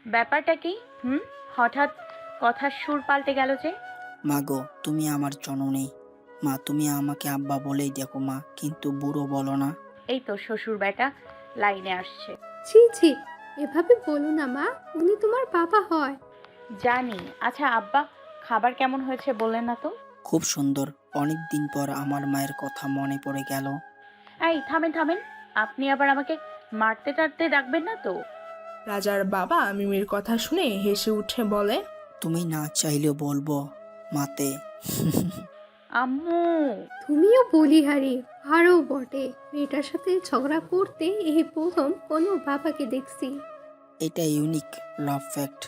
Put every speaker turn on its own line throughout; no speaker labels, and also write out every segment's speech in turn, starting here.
ব্যাপারটা কি? হুম, হঠাৎ কথার সুর পাল্টে গেল যে?
মা গো, তুমি আমার জননী। মা, তুমি আমাকে আব্বা বলেই দেখো মা, কিন্তু বুড়ো বলো না।
এই তো শ্বশুর বেটা লাইনে আসছে।
ছি ছি, এভাবে বলো না মা, উনি তোমার বাবা হয়।
জানি। আচ্ছা আব্বা, খাবার কেমন হয়েছে বললেন না তো?
খুব সুন্দর। অনেক দিন পর আমার মায়ের কথা মনে পড়ে গেল।
এই থামেন থামেন, আপনি আবার আমাকে মারতে টারতে ডাকবেন না তো?
রাজার বাবা মিমির কথা শুনে হেসে উঠে বলে,
তুমি না চাইলেও বলবো মাতে।
আম্মু।
তুমিও বলিহারি, আরও বটে। মেয়েটার সাথে ঝগড়া করতে এই প্রথম কোনো বাবাকে দেখছি।
এটা ইউনিক লাভ ফ্যাক্ট।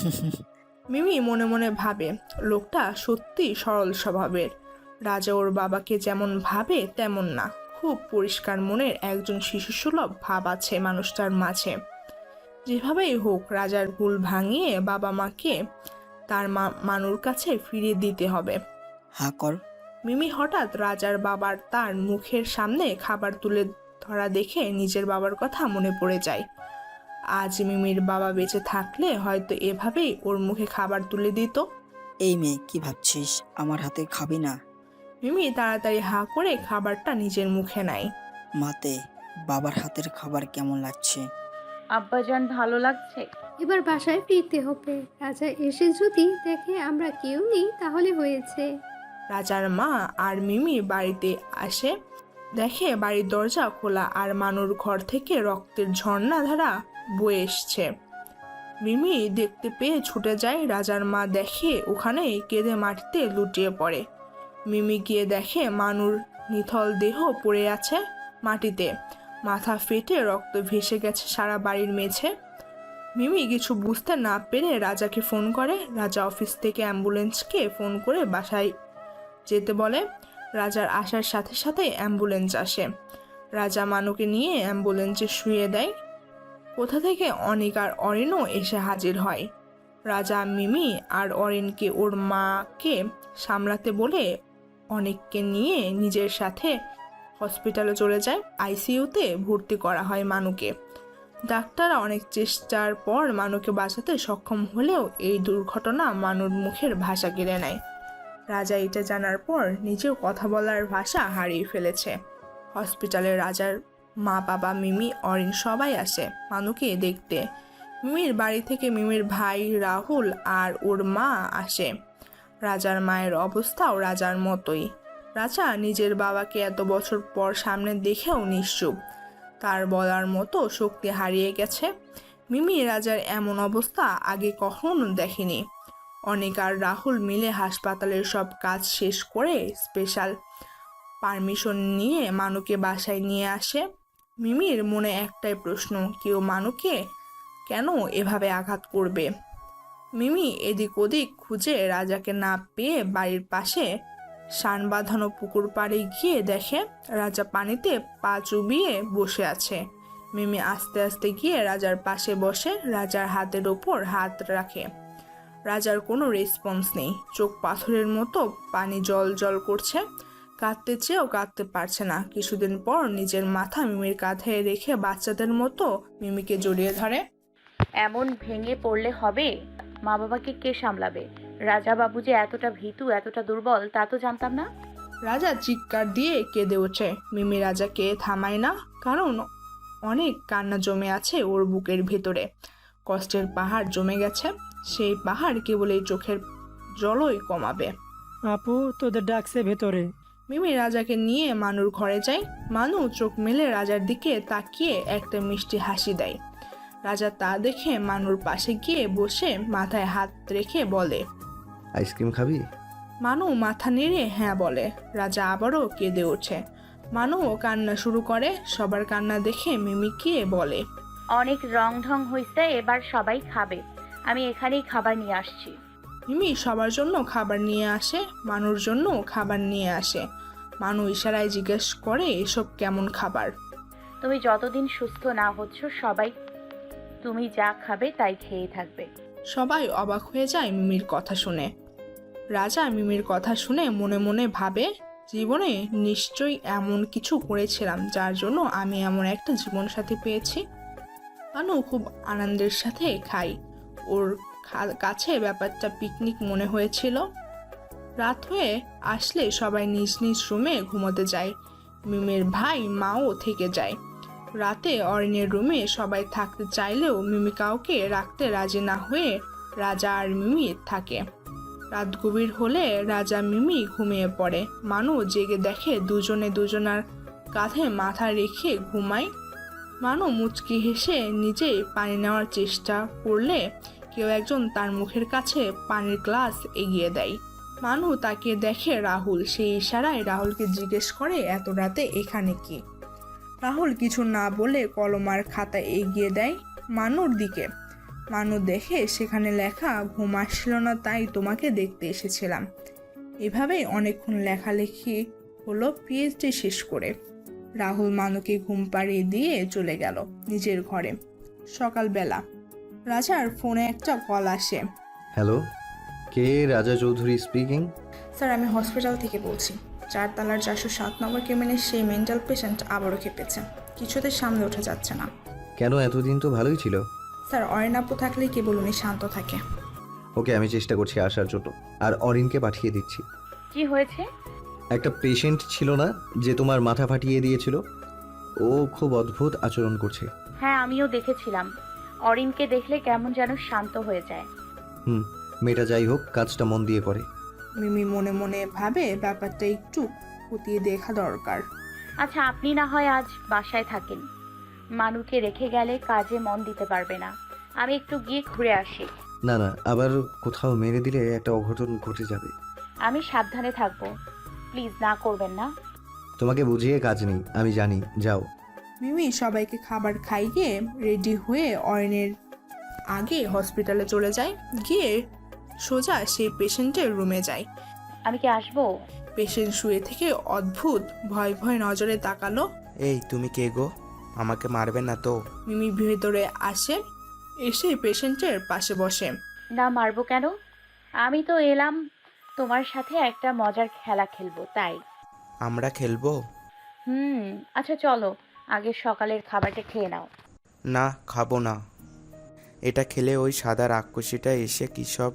মিমি মনে মনে ভাবে লোকটা সত্যি সরল স্বভাবের। রাজা ওর বাবাকে যেমন ভাবে তেমন না, খুব পরিষ্কার মনের একজন শিশুসুলভ ভাব আছে মানুষটার মাঝে। যেভাবেই হোক রাজার ভুল ভাঙিয়ে বাবা মাকে তার মানুর কাছে ফিরিয়ে দিতে হবে।
হা কর।
মিমি হঠাৎ রাজার বাবার তার মুখের সামনে খাবার তুলে ধরা দেখে নিজের বাবার কথা মনে পড়ে যায়। আজ মিমির বাবা বেঁচে থাকলে হয়তো এভাবেই ওর মুখে খাবার তুলে দিত।
এই মেয়ে, কি ভাবছিস? আমার হাতে খাবি না?
মিমি তাড়াতাড়ি হা করে খাবারটা নিজের মুখে নেয়।
মাতে, বাবার হাতের খাবার কেমন লাগছে?
আব্বাজান ভালো লাগছে?
এবার বাসায় ফিরতে হবে। রাজা এসে যদি দেখে আমরা কেউ নেই তাহলে হয়েছে।
রাজার মা আর মিমি বাড়িতে আসে, দেখে বাড়ির দরজা খোলা আর মানুর ঘর থেকে রক্তের ঝর্ণাধারা বয়ে এসছে। মিমি দেখতে পেয়ে ছুটে যায়। রাজার মা দেখে ওখানে কেঁদে মাটিতে লুটিয়ে পড়ে। মিমি গিয়ে দেখে মানুর নিথল দেহ পড়ে আছে মাটিতে, মাথা ফেটে রক্ত ভেসে গেছে সারা বাড়ির মেঝে। মিমি কিছু বুঝতে না পেরে রাজাকে ফোন করে। রাজা অফিস থেকে অ্যাম্বুলেন্সকে ফোন করে বাসায় যেতে বলে। রাজার আসার সাথে সাথে অ্যাম্বুলেন্স আসে। রাজা মানুকে নিয়ে অ্যাম্বুলেন্সে শুয়ে দেয়। কোথা থেকে অনিক আর অরিনও এসে হাজির হয়। রাজা মিমি আর অরিনকে ওর মাকে সামলাতে বলে অনিককে নিয়ে নিজের সাথে হসপিটালে চলে যায়। আইসিইউতে ভর্তি করা হয় মানুকে। ডাক্তাররা অনেক চেষ্টার পর মানুকে বাঁচাতে সক্ষম হলেও এই দুর্ঘটনা মানুর মুখের ভাষা কেড়ে নেয়। রাজা এটা জানার পর নিজেও কথা বলার ভাষা হারিয়ে ফেলেছে। হসপিটালে রাজার মা, বাবা, মিমি, অরিন সবাই আসে মানুকে দেখতে। মিমির বাড়ি থেকে মিমির ভাই রাহুল আর ওর মা আসে। রাজার মায়ের অবস্থাও রাজার মতোই। রাজা নিজের বাবাকে এত বছর পর সামনে দেখেও নিশ্চুপ। তার বলার মতো শক্তি হারিয়ে গেছে। মিমি রাজার এমন অবস্থা আগে কখনো দেখেনি। অনিক আর রাহুল মিলে হাসপাতালের সব কাজ শেষ করে স্পেশাল পারমিশন নিয়ে মানুকে বাসায় নিয়ে আসে। মিমির মনে একটাই প্রশ্ন, কেউ মানুকে কেন এভাবে আঘাত করবে? মিমি এদিক ওদিক খুঁজে রাজাকে না পেয়ে বাড়ির পাশে শান বাঁধানো পুকুর পাড়ে গিয়ে দেখে রাজা পানিতে পা চুবিয়ে বসে আছে। মিমি আস্তে আস্তে গিয়ে রাজার পাশে বসে রাজার হাতের ওপর হাত রাখে। রাজার কোনো রেসপন্স নেই, চোখ পাথরের মতো পানি জল জল করছে। কাঁদতে চেয়েও কাঁদতে পারছে না। কিছুদিন পর নিজের মাথা মিমির কাঁধে রেখে বাচ্চাদের মতো মিমিকে জড়িয়ে ধরে।
এমন ভেঙে পড়লে হবে? মা বাবাকে কে সামলাবে? রাজা বাবু যে এতটা ভীতু, এতটা দুর্বল তা তো জানতাম না।
রাজা চিৎকার দিয়ে কেঁদে ওঠে। মিমি রাজাকে থামায় না, কারণ অনেক কান্না জমে আছে ওর বুকের ভেতরে। কষ্টের পাহাড় জমে গেছে। সেই পাহাড় কেবল এই চোখের জলই কমাবে।
আপু, তোদের ডাকছে ভেতরে।
মিমি রাজাকে নিয়ে মানুর ঘরে যায়। মানু চোখ মেলে রাজার দিকে তাকিয়ে একটা মিষ্টি হাসি দেয়। রাজা তা দেখে মানুর পাশে গিয়ে বসে মাথায় হাত রেখে বলে,
আইসক্রিম খাবি?
মানু মাথা নেড়ে হ্যাঁ বলে। রাজা আবারও কেঁদে ওঠে। মানুও কান্না শুরু করে। সবার কান্না দেখে মিমি গিয়ে বলে,
অনেক রং ঢং হইছে, এবার সবাই খাবে। আমি এখানেই খাবার নিয়ে আসছি।
মিমি সবার জন্য খাবার নিয়ে আসে, মানুর জন্য খাবার নিয়ে আসে। মানু ইশারায় জিজ্ঞেস করে, এসব কেমন খাবার?
তুমি যতদিন সুস্থ না হচ্ছ সবাই তুমি যা খাবে তাই খেয়ে থাকবে।
সবাই অবাক হয়ে যায় মিমির কথা শুনে। রাজা মিমির কথা শুনে মনে মনে ভাবে, জীবনে নিশ্চয়ই এমন কিছু করেছিলাম যার জন্য আমি এমন একটা জীবনসাথী পেয়েছি। মানু খুব আনন্দের সাথে খাই। ওর কাছে ব্যাপারটা পিকনিক মনে হয়েছিল। রাত হয়ে আসলে সবাই নিজ নিজ রুমে ঘুমোতে যায়। মিমির ভাই মাও থেকে যায়। রাতে অরিনের রুমে সবাই থাকতে চাইলেও মিমি কাউকে রাখতে রাজি না হয়ে রাজা আর মিমি থাকে। রাত গভীর হলে রাজা মিমি ঘুমিয়ে পড়ে। মানু জেগে দেখে দুজনে দুজনার কাঁধে মাথা রেখে ঘুমায়। মানু মুচকি হেসে নিজেই পানি নেওয়ার চেষ্টা করলে কেউ একজন তার মুখের কাছে পানির গ্লাস এগিয়ে দেয়। মানু তাকে দেখে রাহুল। সেই ইশারায় রাহুলকে জিজ্ঞেস করে এত রাতে এখানে কি। রাহুল কিছু না বলে কলম আর খাতা এগিয়ে দেয় মানুর দিকে। মানু দেখে সেখানে লেখা ঘুম আসছিল না তাই তোমাকে দেখতে এসেছিলাম। এভাবেই অনেকক্ষণ লেখালেখি হলো পিএইচডি শেষ করে। রাহুল মানুকে ঘুম পাড়িয়ে দিয়ে চলে গেল নিজের ঘরে। সকালবেলা রাজার ফোনে একটা কল আসে।
হ্যালো, কে? রাজা চৌধুরী স্পিকিং।
স্যার, আমি হসপিটাল থেকে বলছি। 4 তলার 407 নম্বর কেবিনের সেই মেন্টাল পেশেন্ট আবারও খেপেছে। কিছুতে সামনে উঠে যাচ্ছে না।
কেন? এতদিন তো ভালোই ছিল।
স্যার, অরিন আপু থাকলেই কেবল উনি শান্ত থাকে।
ওকে, আমি চেষ্টা করছি আসার জন্য, আর অরিনকে পাঠিয়ে দিচ্ছি।
কি হয়েছে?
একটা পেশেন্ট ছিল না যে তোমার মাথা ফাটিয়ে দিয়েছিল? ও খুব অদ্ভুত আচরণ করছে।
হ্যাঁ, আমিও দেখেছিলাম। অরিনকে দেখলে কেমন যেন শান্ত হয়ে যায়।
মেয়েটা যাই হোক, কাজটা মন দিয়ে করে।
মিমি মনে মনে ভাবে ব্যাপারটা একটু খতিয়ে দেখা দরকার।
আচ্ছা, আপনি না হয় আজ বাসায় থাকেন। মানুকে রেখে গেলে কাজে মন দিতে পারবে না। আমি একটু গিয়ে ঘুরে আসি।
না না, আবার কোথাও মেরে দিলে একটা অঘটন ঘটে যাবে।
আমি সাবধানে থাকবো। প্লিজ না করবেন না।
তোমাকে বুঝিয়ে কাজ নেই, আমি জানি। যাও।
মিমি সবাইকে খাবার খাইয়ে রেডি হয়ে অরিনের আগে হসপিটালে চলে যায়। গিয়ে সোজা সেই পেশেন্টের রুমে যায়।
আমি কি আসবো?
পেশেন্ট শুয়ে থেকে অদ্ভুত ভয় ভয় নজরে তাকালো।
এই, তুমি কে গো? আমাকে মারবে না তো?
মিমি ভেতরে আসে, এসে পেশেন্টের পাশে বসে।
না, মারবো কেন? আমি তো এলাম তোমার সাথে একটা মজার খেলা খেলবো, তাই।
আমরা খেলবো?
আচ্ছা চলো, আগে সকালের খাবারটা খেয়ে নাও।
না, খাবো না। এটা খেলে ওই সাদা রাক্ষসীটা এসে কী সব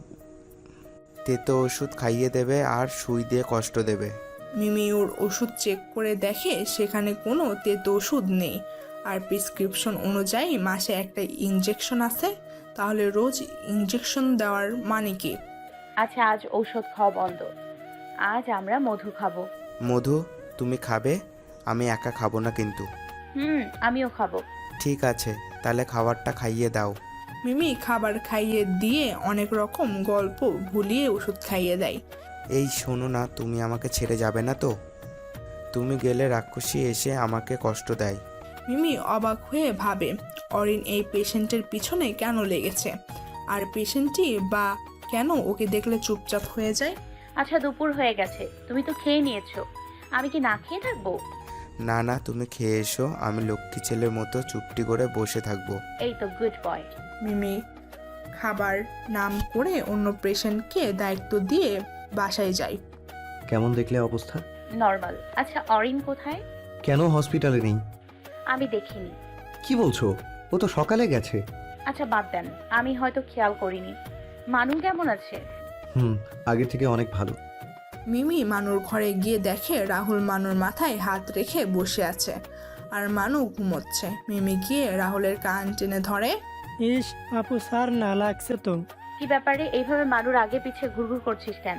তেতো ওষুধ খাইয়ে দেবে আর সুই দিয়ে কষ্ট দেবে।
মিমি ওর ওষুধ চেক করে দেখে সেখানে কোনো তেতো ওষুধ নেই। আর প্রেসক্রিপশন অনুযায়ী মাসে একটা ইনজেকশন আছে। তাহলে রোজ ইনজেকশন দেওয়ার মানে কি?
আচ্ছা, আজ ঔষধ খাওয়া বন্ধ। আজ আমরা মধু খাবো।
মধু? তুমি খাবে? আমি একা খাবো না কিন্তু।
আমিও খাবো।
ঠিক আছে, তাহলে খাবারটা খাইয়ে দাও।
মিমি খাবার খাইয়ে দিয়ে অনেক রকম গল্প ভুলিয়ে ওষুধ খাইয়ে দেয়।
এই শোনো না, তুমি আমাকে ছেড়ে যাবে না তো? তুমি গেলে রাক্ষসী এসে আমাকে কষ্ট দেয়।
মিমি অবাক হয়ে ভাবে অরিন এই পেশেন্টের পিছনে কেন লেগেছে, আর পেশেন্টটি বা কেন ওকে দেখলে চুপচাপ হয়ে যায়।
আচ্ছা, দুপুর হয়ে গেছে, তুমি তো খেয়ে নিয়েছো। আমি কি না খেয়ে থাকবো?
না না, তুমি খেয়ে এসো। আমি লক্ষ্মী ছেলের মতো চুপটি করে বসে থাকবো।
এই তো গুড বয়।
মিমি খাবার নাম করে অন্য পেশেন্টকে দায়িত্ব দিয়ে বাসায় যায়।
কেমন দেখলে অবস্থা?
নর্মাল। আচ্ছা, অরিন কোথায়?
কেন হসপিটালে নেই?
আমি দেখিনি।
কি বলছো? ও তো সকালে গেছে।
আচ্ছা বাদ দেন, আমি হয়তো খেয়াল করিনি। মানু কেমন আছে?
আগে থেকে অনেক ভালো।
মিমি মানুর ঘরে গিয়ে দেখে রাহুল মানুর মাথায় হাত রেখে বসে আছে আর মানু ঘুমোচ্ছে। মিমি গিয়ে রাহুলের কান টেনে ধরে।
ইস আপু, স্যার না লাগছে তো।
কি ব্যাপারে এইভাবে মানুর আগে পিছে ঘুরঘুর করছিস কেন?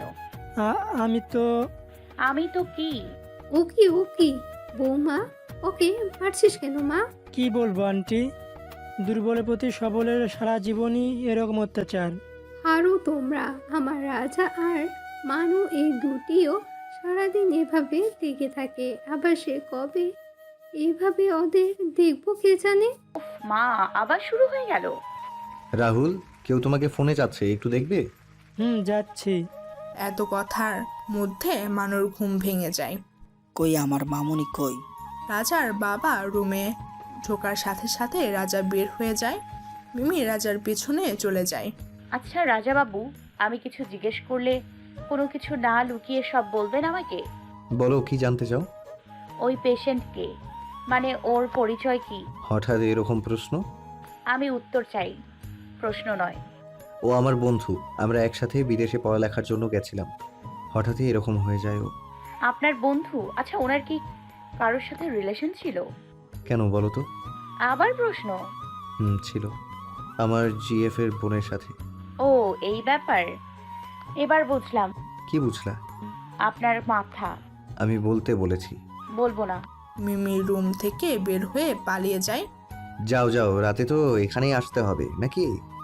আমি
তো কি?
ও কি বৌমা, ওকে মারছিস কেন মা?
কি বলবো আন্টি, দুর্বলের প্রতি সবলের সারা জীবনই এরকম অত্যাচার।
আরও তোমরা, আমার রাজা আর মানু, এই দুটিও সারাদিন এভাবে লেগে থাকে। আবার সে কবে এভাবে ওদের দেখবো কে জানে।
মা, আবার শুরু হয়ে গেল।
রাহুল, কেউ তোমাকে ফোনে যাচ্ছে, একটু দেখবে?
যাচ্ছি।
এত কথার মধ্যে মানুর ঘুম ভেঙে যায়।
কই আমার মামুনি কই?
রাজার বাবা রুমে ঢোকার সাথে সাথে রাজা বের হয়ে যায়। মিমি রাজার পেছনে চলে যায়।
আচ্ছা রাজা বাবু, আমি কিছু জিজ্ঞেস করলে কোনো কিছু না লুকিয়ে সব বলবেন আমাকে?
বলো, কি জানতে চাও?
ওই পেশেন্টকে, মানে ওর পরিচয় কি?
হঠাৎ এরকম প্রশ্ন?
আমি উত্তর চাই, প্রশ্ন নয়।
ও আমার বন্ধু, আমরা একসাথে বিদেশে পড়ালেখার জন্য গেছিলাম। হঠাৎই এরকম হয়ে যায় ও।
আপনার বন্ধু? আচ্ছা, ওনার কি কারোর সাথে রিলেশন ছিল?
কেন বলো তো?
আবার প্রশ্ন?
ছিল, আমার জিএফ এর বোনের সাথে।
ও, এই ব্যাপার। এবার বুঝলাম।
কি বুঝলা?
আপনার মাথা।
আমি বলতে বলেছি।
বলবো না।
মিমি রুম থেকে বের হয়ে পালিয়ে যায়।
যাও যাও, রাতে তো এখানেই আসতে হবে নাকি?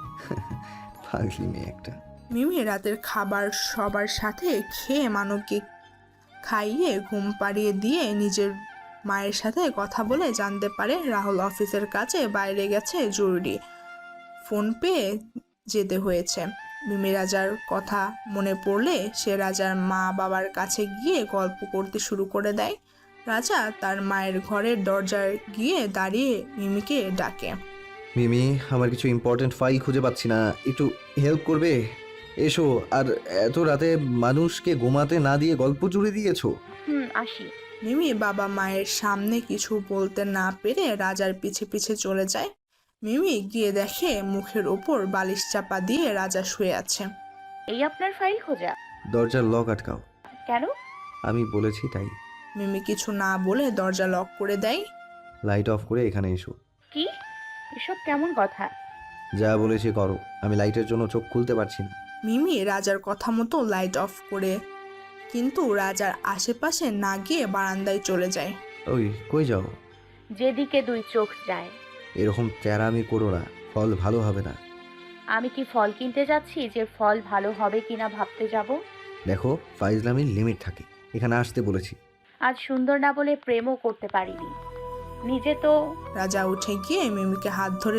পাগলি মেয়ে একটা।
মিমি রাতের খাবার সবার সাথে খেয়ে মানবকে খাইয়ে ঘুম পাড়িয়ে দিয়ে নিজের মায়ের সাথে কথা বলে জানতে পারে রাহুল অফিসের কাছে বাইরে গেছে, জরুরি ফোন পেয়ে যেতে হয়েছে। মিমি রাজার কথা মনে পড়লে সে রাজার মা বাবার কাছে গিয়ে গল্প করতে শুরু করে দেয়। রাজা তার মায়ের ঘরের দরজায় গিয়ে দাঁড়িয়ে মিমিকে ডাকে।
মিমি, আমার কিছু ইম্পর্টেন্ট ফাইল খুঁজে পাচ্ছি না, একটু হেল্প করবে? এসো। আর এত রাতে মানুষকে ঘুমাতে না দিয়ে গল্প জুড়ে দিয়েছো।
আসি।
মিমি বাবা মায়ের সামনে কিছু বলতে না পেরে রাজার পিছে পিছে চলে যায়। মিমি গিয়ে দেখে মুখের ওপর বালিশ চাপা দিয়ে রাজা শুয়ে আছে।
এই আপনার ফাইল খোঁজা?
দরজার লক আটকাও।
কেন?
আমি বলেছি তাই।
মিমি কিছু না বলে দরজা লক করে দেয়।
লাইট অফ করে এখানে এসো।
কি? এসব কেমন কথা?
যা বলেছি করো, আমি লাইটের জন্য চোখ খুলতে পারছি না।
মিমি রাজার কথা মতো লাইট অফ করে কিন্তু রাজার আশেপাশে না গিয়ে বারান্দায় চলে যায়।
ওই কই যাও?
যেদিকে দুই চোখ যায়।
এরকম তেরামি করো না, ফল ভালো হবে না।
আমি কি ফল কিনতে যাচ্ছি যে ফল ভালো হবে কিনা ভাবতে যাব?
দেখো, ফাইজলামির লিমিট থাকে। এখানে আসতে বলেছি।
আজ সুন্দর না বলে প্রেমও করতে পারিনি। নিজে তো।
রাজা উঠে গিয়ে মিমিকে হাত ধরে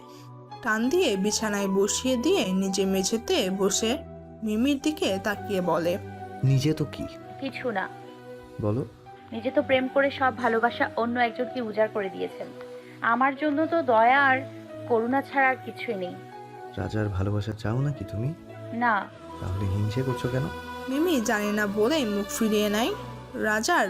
টান দিয়ে বিছানায় বসিয়ে দিয়ে নিজে মেঝেতে বসে মিমির দিকে তাকিয়ে বলে,
নিজে তো কি?
কিছু না।
বলো।
নিজে তো প্রেম করে সব ভালোবাসা অন্য একজনকে উজাড় করে দিয়েছেন। আমার জন্য তো দয়া আর করুণা ছাড়া আর কিছুই নেই।
রাজার ভালোবাসা চাও নাকি তুমি?
না।
তাহলে হিংসে করছো কেন?
মিমি জানে না বলে মুখ ফিরিয়ে নেয়। রাজার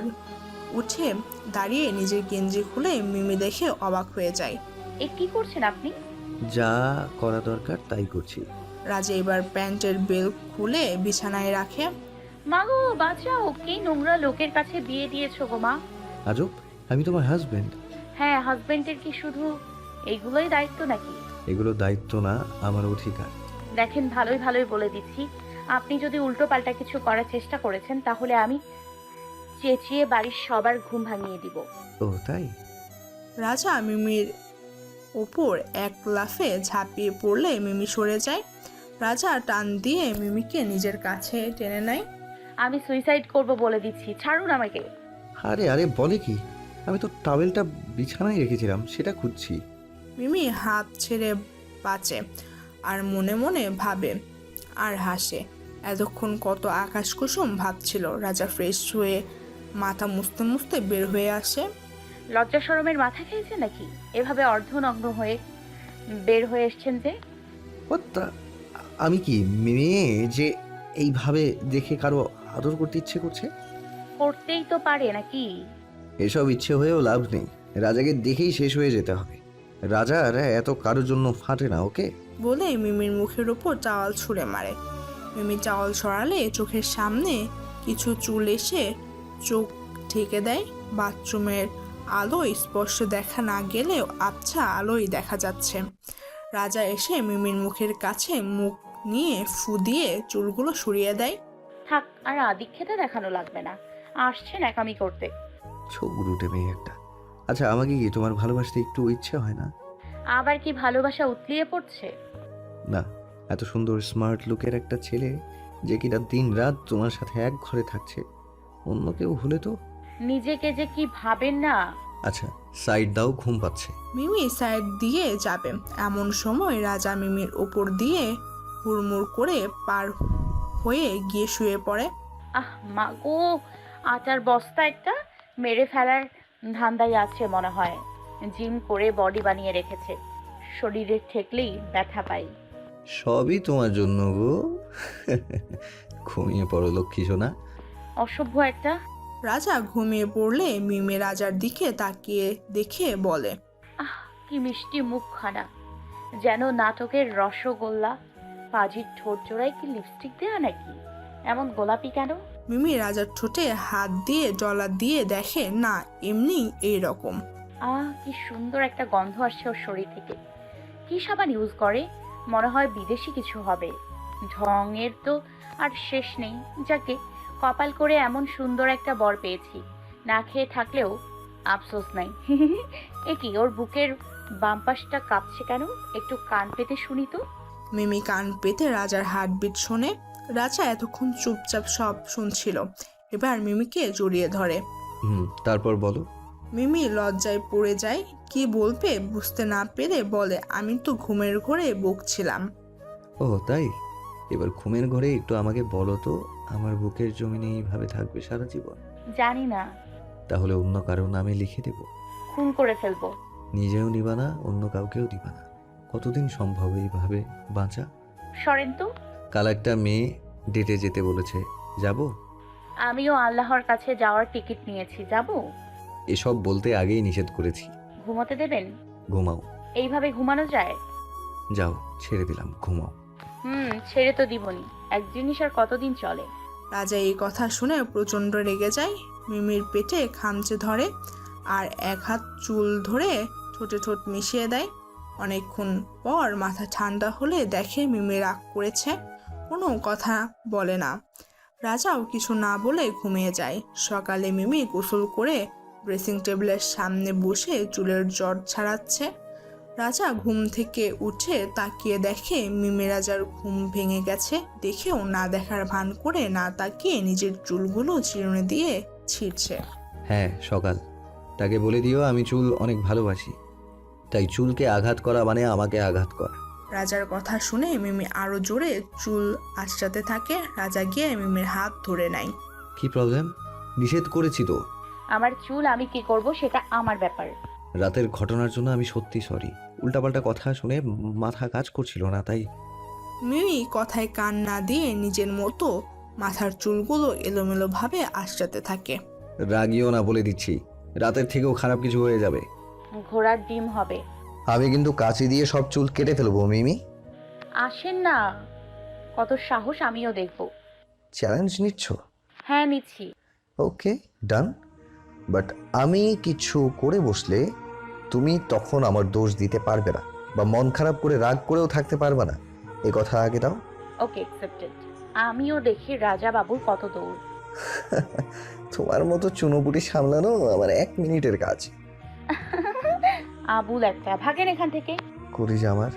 উঠে দাঁড়িয়ে নিজের গেঞ্জি খুলে মিমি দেখে অবাক হয়ে যায়।
এ কি করছেন আপনি?
যা করা দরকার তাই করছি।
রাজা এবার প্যান্টের বেল খুলে বিছানায় রাখে।
মা গো, বাঁচাও! কি নোংরা লোকের কাছে বিয়ে দিয়েছো গো মা।
আজব, আমি তোমার হাজবেন্ড।
হ্যাঁ, হাজবেন্ডের কি শুধু এইগুলোই দায়িত্ব নাকি?
এগুলো দায়িত্ব না, আমার অধিকার।
দেখেন, ভালোই ভালোই বলে দিচ্ছি, আপনি যদি উল্টো পাল্টা কিছু করার চেষ্টা করেছেন তাহলে আমি চেঁচিয়ে বাড়ির সবার ঘুম ভাঙিয়ে দিব।
ও তাই?
রাজা মিমির ওপর এক লাফে ঝাঁপিয়ে পড়লে মিমি সরে যায়। রাজা টান দিয়ে মিমিকে নিজের কাছে টেনে নেয়।
আমি সুইসাইড করব বলে দিচ্ছি, ছাড়ুন আমাকে।
আরে আরে, বলে কি? আমি তো টাওয়েলটা বিছানায় রেখেছিলাম, সেটা খুঁজছি।
মিমি হাত ছেড়ে বাঁচে আর মনে মনে ভাবে আর হাসে। এতক্ষণ কত আকাশ কুসুম ভাবছিল। রাজা ফ্রেশ হয়ে মাথা মুছতে মুছতে বের হয়ে আসে।
লজ্জা শরমের মাথা খেয়েছে নাকি? এভাবে অর্ধনগ্ন হয়ে বের হয়ে এসছেন যে?
What the- আমি কি মেয়ে যে এইভাবে দেখে কারো আদর করতে ইচ্ছে করছে?
করতেই তো পারে নাকি?
এসব ইচ্ছে হয়েও লাভ নেই, রাজাকে দেখেই শেষ হয়ে যেতে হবে। রাজার এত কারোর জন্য ফাটে না, ওকে?
বলে মিমির মুখের ওপর চাওয়াল ছুঁড়ে মারে। মিমি চাওয়াল সরালে চোখের সামনে কিছু চুল এসে চোখ ঢেকে দেয়। বাথরুমের আলো স্পষ্ট দেখা না গেলেও আবছা আলোই দেখা যাচ্ছে। রাজা এসে মিমির মুখের কাছে মুখ নিয়ে ফু দিয়ে চুলগুলো সরিয়ে দেয়।
থাক, আর আদিক্ষেতা দেখানো লাগবে না, আসছেন একামি করতে।
ছোট রুটে মেয়ে একটা। আচ্ছা, আমাকে কি তোমার ভালোবাসতে একটু ইচ্ছে হয় না?
আবার কি ভালোবাসা উতলিয়ে পড়ছে?
না, এত সুন্দর স্মার্ট লুকের একটা ছেলে যে কিনা দিন রাত তোমার সাথে এক ঘরে থাকছে, অন্য কেউ হলে তো।
নিজেকে যে কি ভাবেন না।
আচ্ছা, সাইড দাও, ঘুম পাচ্ছে।
মিমি সাইড দিয়ে যাবে এমন সময় রাজা মিমির ওপর দিয়ে হুড়মুড় করে পার হয়ে গিয়ে শুয়ে পড়ে।
আহ মা গো, আটার বস্তা একটা মেরে ফেলার ধান্দায় আছে মনে হয়। জিম করে বডি বানিয়ে রেখেছে, শরীরে ঠেকলেই ব্যথা পাই।
সবই তোমার জন্য গো। ঘুমিয়ে পড়ো লক্ষ্মী সোনা।
অসভ্য একটা।
রাজা ঘুমিয়ে পড়লে মিমি রাজার দিকে তাকিয়ে দেখে বলে,
আহ, কি মিষ্টি মুখখানা, যেন নাটকের রসগোল্লা। পাজির ঠোঁট জোড়ায় কি লিপস্টিক দেয়া নাকি? এমন গোলাপি কেন?
মিমি রাজার ঠোঁটে হাত দিয়ে ডলা দিয়ে দেখে না, এমনি এইরকম।
কি সুন্দর একটা গন্ধ আসছে ওর শরীর থেকে। কি সাবান ইউজ করে? মনে হয় বিদেশি কিছু হবে। ঢঙের তো আর শেষ নেই। যাকে কপাল করে এমন সুন্দর একটা বর পেয়েছি। না খেয়ে থাকলেও আফসোস নাই। এ কি, ওর বুকের বাম পাশটা কাঁপছে কেন? একটু কান পেতে শুনি তো।
মিমি কান পেতে রাজার হার্টবিট শোনে। রাজা এতক্ষণ চুপচাপ সব শুনছিল, এবার মিমিকে জড়িয়ে ধরে।
তারপর বলো।
মিমি লজ্জায় পড়ে যায়, কি বলবে বুঝতে না পেরে বলে, আমি তো ঘুমের ঘোরে বকছিলাম।
ও তাই? এবার ঘুমের ঘরে একটু আমাকে বলো তো, আমার বুকের জমিনে এইভাবে থাকবে সারা জীবন?
জানি না।
তাহলে অন্য কারো নামে লিখে দেব।
খুন করে ফেলবো।
নিজেও নিবা না, অন্য কাউকেও দিবা না। কতদিন সম্ভব এইভাবে বাঁচা?
সরেন তো।
কাল একটা মেয়ে ডেটে যেতে বলেছে, যাব?
আমিও আল্লাহর কাছে যাওয়ার টিকিট নিয়েছি, যাব।
এসব বলতে আগেই নিষেধ করেছি।
ঘুমোতে দেবেন?
ঘুমাও।
এইভাবে ঘুমানো যায়?
যাও, ছেড়ে দিলাম, ঘুমাও।
ছেড়ে তো দিবনি। এক জিনিস আর কতদিন চলে?
রাজা এই কথা শুনে প্রচণ্ড রেগে যায়। মিমির পেটে খামচে ধরে আর এক হাত চুল ধরে ঠোঁটে ঠোঁট মিশিয়ে দেয়। অনেকক্ষণ পর মাথা ঠান্ডা হলে দেখে মিমি রাগ করেছে, কোনো কথা বলে না। রাজাও কিছু না বলে ঘুমিয়ে যায়। সকালে মিমি গোসল করে ড্রেসিং টেবিলের সামনে বসে চুলের জট ছাড়াচ্ছে। রাজা ঘুম থেকে উঠে তাকিয়ে দেখে মিমি রাজার ঘুম ভেঙে গেছে। দেখেও না দেখার ভান করে না তাকিয়ে নিজের চুলগুলো চিরুনি দিয়ে ছিঁড়ছে।
হ্যাঁ, সকাল। তাকে বলে দিও আমি চুল অনেক ভালোবাসি, তাই চুলকে আঘাত করা মানে আমাকে আঘাত করা।
রাজার কথা শুনে মিমি আরো জোরে চুল আঁচড়াতে থাকে। রাজা গিয়ে মিমির হাত ধরে নেয়।
কি প্রবলেম? নিষেধ করেছি তো।
আমার চুল আমি কি করব সেটা আমার ব্যাপার।
রাতের ঘটনার জন্য আমি সত্যি সরি। উল্টাপাল্টা কথা শুনে মাথা কাজ করছিল না, তাই।
মিমি কথায় কান না দিয়ে নিজের মতো মাথার চুলগুলো এলোমেলো ভাবে আঁচড়াতে থাকে।
রাগিও না, বলে দিচ্ছি। রাতের থেকেও খারাপ কিছু হয়ে যাবে।
ঘোড়ার ডিম হবে।
আমি কিন্তু কাঁচি দিয়ে সব চুল কেটে ফেলবো মিমি।
আসেন না, কত সাহস, আমিও দেখব।
চ্যালেঞ্জ নিচ্ছ?
হ্যাঁ, নিচ্ছি।
ওকে, ডান। বাট আমি কিছু করে বসলে তুমি তখন আমার দোষ দিতে পারবে না, বা মন খারাপ করে রাগ করেও থাকতে পারবে না। এ কথা আগে দাও।
Okay, accepted. আমিও দেখি রাজা বাবুর কত দৌড়।
তোমার মতো চুনোপুটি সামলানো আমার 1 মিনিটের কাজ।
আবুল একটা, ভাগেন এখান থেকে।
করি যে আমার,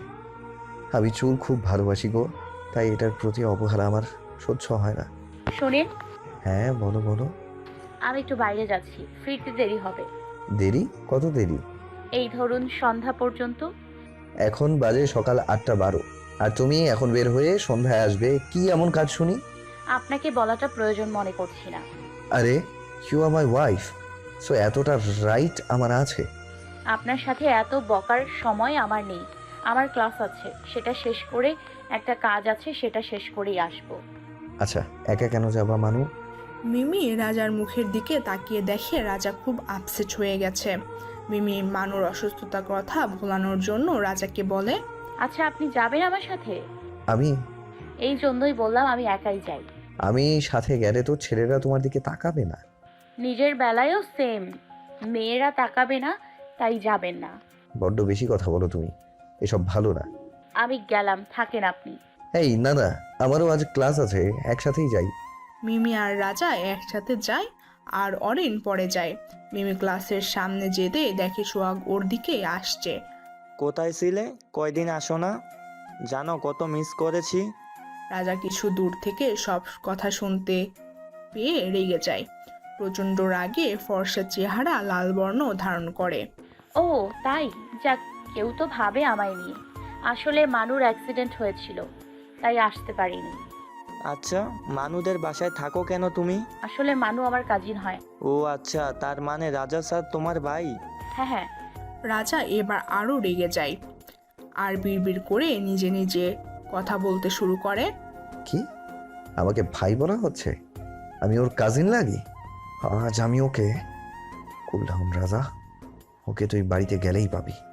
আমি চুল খুব ভালোবাসি গো, তাই এটার প্রতি অবহেলা আমার সহ্য হয় না।
শোনেন,
হ্যাঁ বলো বলো।
আমি একটু বাইরে যাচ্ছি, ফিরতে দেরি হবে।
দেরি? কত দেরি?
এই ধরুন সন্ধ্যা পর্যন্ত।
এখন বাজে সকাল 8:12, আর তুমি এখন বের হয়ে সন্ধ্যায় আসবে? কি এমন কাজ শুনি?
আপনাকে বলাটা প্রয়োজন মনে করছি না।
আরে, you are my wife, so এতটা রাইট আমার আছে।
আপনার সাথে এত বকার সময় আমার নেই। আমার ক্লাস আছে, সেটা শেষ করে একটা কাজ আছে, সেটা শেষ করেই আসবো।
আচ্ছা, একা কেন যাবা মানু?
মিমি রাজার মুখের দিকে তাকিয়ে দেখে রাজা খুব আপসেট হয়ে গেছে। মিমি মানুর অসুস্থতার কথা ভোলানোর জন্য রাজাকে বলে,
আচ্ছা, আপনি যাবেন আমার সাথে?
আমি
এই জন্যই বললাম আমি একাই যাই।
আমি সাথে গেলে তো ছেলেরা তোমার দিকে তাকাবে না।
নিজের বেলায়ও সেম, মেয়েরা তাকাবে না, তাই যাবেন না।
বড্ড বেশি কথা বলো তুমি, এসব ভালো না।
আমি গেলাম, থাকেন আপনি।
এই না না, আমারও আজ ক্লাস আছে, একসাথেই যাই।
মিমি আর রাজা একসাথে যায় আর অরিন পরে যায়। মিমি ক্লাসের সামনে যেতে দেখে সোহাগ ওর দিকে আসছে।
কোথায় ছিলে? কয়দিন আসো না? জানো কত মিস করেছি।
রাজা কিছু দূর থেকে সব কথা শুনতে পেয়ে রেগে যায়। প্রচণ্ড রাগে ফর্সা চেহারা লাল বর্ণ ধারণ করে।
ও তাই? যাক, কেউ তো ভাবে আমায় নিয়ে। আসলে মানুর অ্যাক্সিডেন্ট হয়েছিল, তাই আসতে পারিনি।
আচ্ছা, মানুদের বাসায় থাকো কেন তুমি?
আসলে মানু আমার কাজিন হয়।
ও আচ্ছা, তার মানে রাজা স্যার তোমার ভাই?
হ্যাঁ হ্যাঁ।
রাজা এবার আরও রেগে যায় আর বিড়বিড় করে নিজে নিজে কথা বলতে শুরু করে।
কি, আমাকে ভাই বলা হচ্ছে? আমি ওর কাজিন লাগি? আজ আমি ওকে কুল ডাউন রাজা, ওকে তুই বাড়িতে গেলেই পাবি।